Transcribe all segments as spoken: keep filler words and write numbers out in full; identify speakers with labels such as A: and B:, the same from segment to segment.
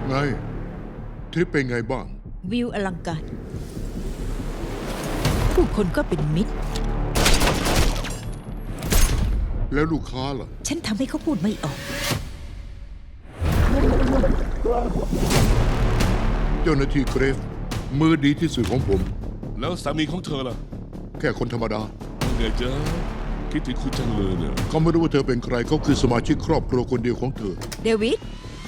A: ไงทริปเป็นไงบ้าง
B: วิวอลังการผู้คนก็เป็นมิตร
A: แล้วลูกค้าล่ะ
B: ฉันทำให้เขาพูดไม่ออก
A: เจ้าหน้าที่เกรฟมือดีที่สุดของผม
C: แล้วสามีของเธอล่ะ
A: แค่คนธรรมดา
C: ไงจ๊ะคิดถึงคุณจังเลยเนี่ย
A: เขาไม่รู้ว่าเธอเป็นใครเขาคือสมาชิกครอบครัวคนเดียวของเธอ
B: เดวิด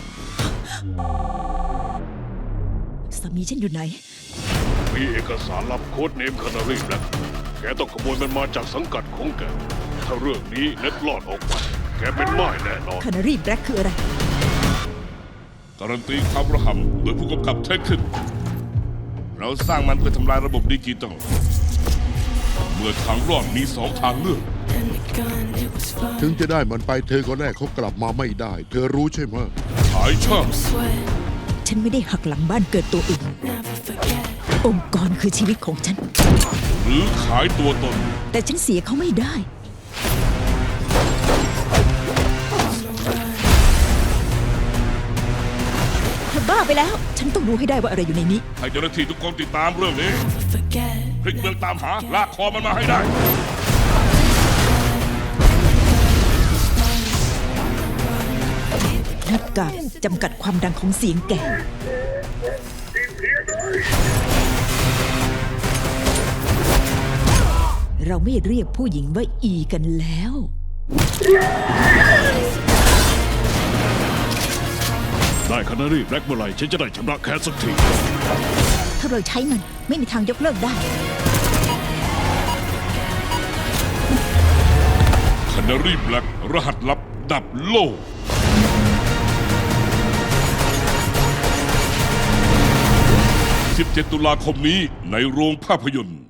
B: สามีฉันอยู่ไหน
D: มีเอกสารลับโค้ดเนมคานารีแบล็กแกต้องขโมยมันมาจากสังกัดของแก ถ้าเรื่องนี้เล็ดลอดออกไปแกเป็นม่ายแน่นอน
B: คานารีแบล็กคืออะไร
C: การันตีความระห่ำโดยผู้กำกับเทคขึ้น เราสร้างมันเพื่อทำลายระบบดิจิตอลเมื่อทางรอดมีสองทางเลือก
A: ถึงจะได้มันไปเธอก็แรกเขากลับมาไม่ได้ เธอรู้ใช่ไหม
C: ขายช่าง
B: ฉันไม่ได้หักหลังบ้านเกิดตัวเององค์กรคือชีวิตของฉัน
C: หรือขายตัวตน
B: แต่ฉันเสียเขาไม่ได้ เธอบ้าไปแล้ว ฉันต้องรู้ให้ได้ว่าอะไรอยู่ในนี้
C: ให้เจ้าหน้าที่ทุกคนติดตามเรื่องนี้พลิกเมืองตามหาลากคอมันมาให้ได้
B: หน้ากากจำกัดความดังของเสียงแก่ เราไม่เรียกผู้หญิงว่าอีกันแล้ว
D: ได้คานารีแบล็กเมื่อไหร่ฉันจะได้ชำระแค้นสักที
B: ถ้าเราใช้มันไม่มีทางยกเลิกได้
C: คานารีแบล็กรหัสลับดับโลก สิบเจ็ด ตุลาคมนี้ในโรงภาพยนตร์